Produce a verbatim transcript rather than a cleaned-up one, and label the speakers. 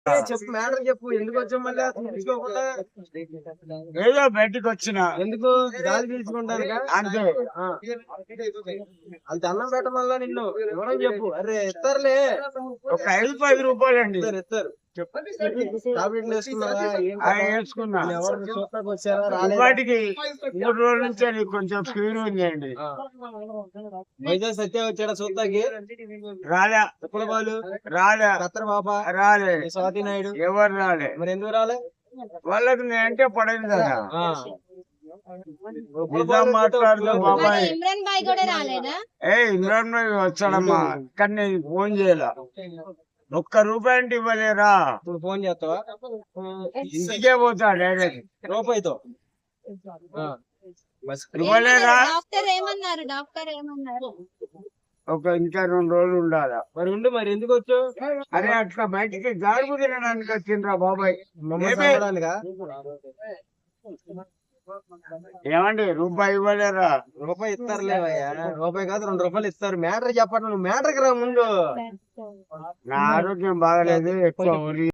Speaker 1: చెప్పు మ్యాటర్ చెప్పు ఎందుకు వచ్చావు మళ్ళీ తీసుకోకుండా
Speaker 2: ఏదో బయటికి వచ్చిన
Speaker 1: ఎందుకు గాలి పీల్చుకుంటాను
Speaker 2: అంతే.
Speaker 1: అది అన్నం పెట్టమల్లా నిన్ను ఎవరని చెప్పు. అరే ఇస్తారులే
Speaker 2: ఒక ఐదు పది రూపాయలండి
Speaker 1: ఇస్తారు ఇస్తారు చెప్పు. టాబ్లెట్లు వేసుకున్నావా
Speaker 2: అవి వేసుకున్నా.
Speaker 1: ఎవరు చూడటానికి వచ్చారా రాలేదా?
Speaker 2: వాటికి మూడు రోజుల నుంచి అది కొంచెం ఫీవర్ ఉందండి.
Speaker 1: వైజాగ్ సత్య వచ్చాడా చూస్తాకి?
Speaker 2: రాలే.
Speaker 1: చెప్పుల బాలు
Speaker 2: రాలే.
Speaker 1: కత్తర పాప
Speaker 2: రాలే.
Speaker 1: స్వాతి నాయుడు
Speaker 2: ఎవరు రాలే.
Speaker 1: మరి ఎందుకు రాలే?
Speaker 2: వాళ్ళకి నేనంటే పడదు కదా.
Speaker 1: ఆ.
Speaker 2: నిజం మాట్లాడుతూ బాబాయ్
Speaker 3: ఇమ్రాన్ బాయ్ కూడా రాలేదా?
Speaker 2: ఏ ఇమ్రాన్ భాయ్ వచ్చాడమ్మా, కానీ నేను ఫోన్ చేయాల. ఒక్క రూపాయి అంటే ఇవ్వలేరా?
Speaker 1: ఇప్పుడు ఫోన్ చేస్తావా?
Speaker 2: ఇంటికే పోతా డైరెక్ట్.
Speaker 1: రూపాయితో ఆ.
Speaker 2: ఇవ్వలేరా?
Speaker 3: డాక్టర్ ఏమన్నారు? డాక్టర్ ఏమన్నారు?
Speaker 2: ఒక ఇంకా రెండు రోజులు ఉండాలా.
Speaker 1: మరి ఉండు, మరి ఎందుకు వచ్చావు?
Speaker 2: అరే అట్లా బయటికి గాడుపు తినడానికి వచ్చిండ్రా బాబాయ్.
Speaker 1: మమ్మల్ని
Speaker 2: ఏమే?
Speaker 1: చంపడానికా?
Speaker 2: ఏమండి రూపాయి ఇవ్వలేరా?
Speaker 1: రూపాయి ఇస్తారులేవయ్యా. రూపాయి కాదు రెండు రూపాయలు ఇస్తారు. మ్యాటర్ చెప్పండి, నువ్వు మ్యాటర్కి రా ముందు.
Speaker 2: నా ఆరోగ్యం బాగలేదు, ఎక్కువ ఉరి